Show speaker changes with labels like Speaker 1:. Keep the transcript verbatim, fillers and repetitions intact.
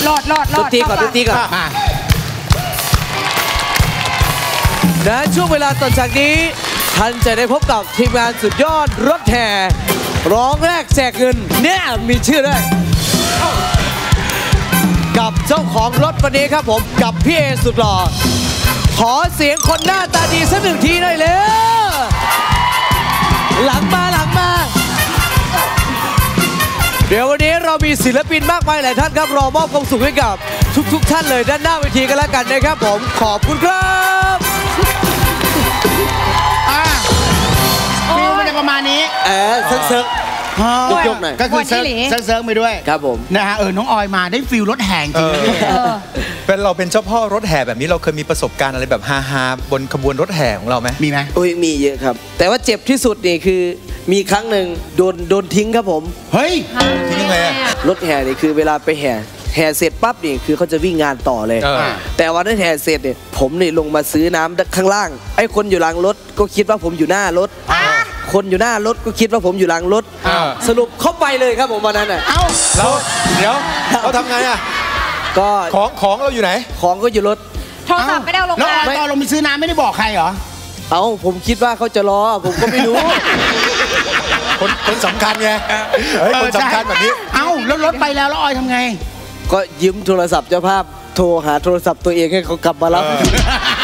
Speaker 1: รอดรอดรอด
Speaker 2: ดนตรีก่อนดนตรีก่อนมาและช่วงเวลาต่อจากนี้ท่านจะได้พบกับทีมงานสุดยอดรถแห่ร้องแรกแจกเงินเนี่ยมีชื่อด้วยกับเจ้าของรถวันนี้ครับผมกับพี่เอสุดหล่อขอเสียงคนหน้าตาดีสักหนึ่งทีหน่อยเลยหลังมาหลังมาเดี๋ยววันนี้เรามีศิลปินมากมายหลายท่านครับรอมอบความสุขให้กับทุกๆ ท่านเลยด้านหน้าเวทีกันแล้วกันนะครับผมขอบคุณครับ
Speaker 3: ฟิลมันจะประมาณนี้
Speaker 2: เออเซิร์ฟเซิร์ฟยกหน่อย
Speaker 3: ก็คือเซิร์ฟเซิร์ฟไปด้วย
Speaker 2: ครับผม
Speaker 3: นะฮะเออน้องออยมาได้ฟิลรถแห่จริง
Speaker 4: เป็นเราเป็นเจ้าพ่อรถแห่แบบนี้เราเคยมีประสบการณ์อะไรแบบฮาๆบนขบวนรถแห่ของเราไหม
Speaker 3: มีไหม
Speaker 2: โอ้ยมีเยอะครับแต่ว่าเจ็บที่สุดนี่คือมีครั้งหนึ่งโดนโดนทิ้งครับผม
Speaker 3: เฮ้ย
Speaker 4: ทิ้งยังไง
Speaker 2: รถแห่นี่คือเวลาไปแห่แห่เสร็จปั๊บนี่คือเขาจะวิ่งงานต่อเลยแต่วันนั้นแห่เสร็จเนี่ยผมนี่ลงมาซื้อน้ำข้างล่างไอ้คนอยู่หลังรถก็คิดว่าผมอยู่หน้ารถคนอยู่หน้ารถก็คิดว่าผมอยู่หลังรถสรุปเข้าไปเลยครับผมวันนั้นอ่ะ
Speaker 3: เอ้า
Speaker 4: เราเดี๋ยวเราทำไงอ่ะ
Speaker 2: ก็
Speaker 4: ของของเราอยู่ไหน
Speaker 2: ของก็อยู่รถ
Speaker 1: โทรศัพท์ไม่ได้เอาลงมา
Speaker 3: ไม่เอาลงไปซื้อน้ำไม่ได้บอกใครเหรอ
Speaker 2: เอ้าผมคิดว่าเขาจะรอผมก็ไม่รู้
Speaker 4: คนคนสำคัญไงเฮ้ยคนสำคัญแบบนี้
Speaker 3: เอ้าแล้วรถไปแล้วแล้วออยทำไง
Speaker 2: ก็ยืมโทรศัพท์เจ้าภาพโทรหาโทรศัพท์ตัวเองให้เขากลับมารับ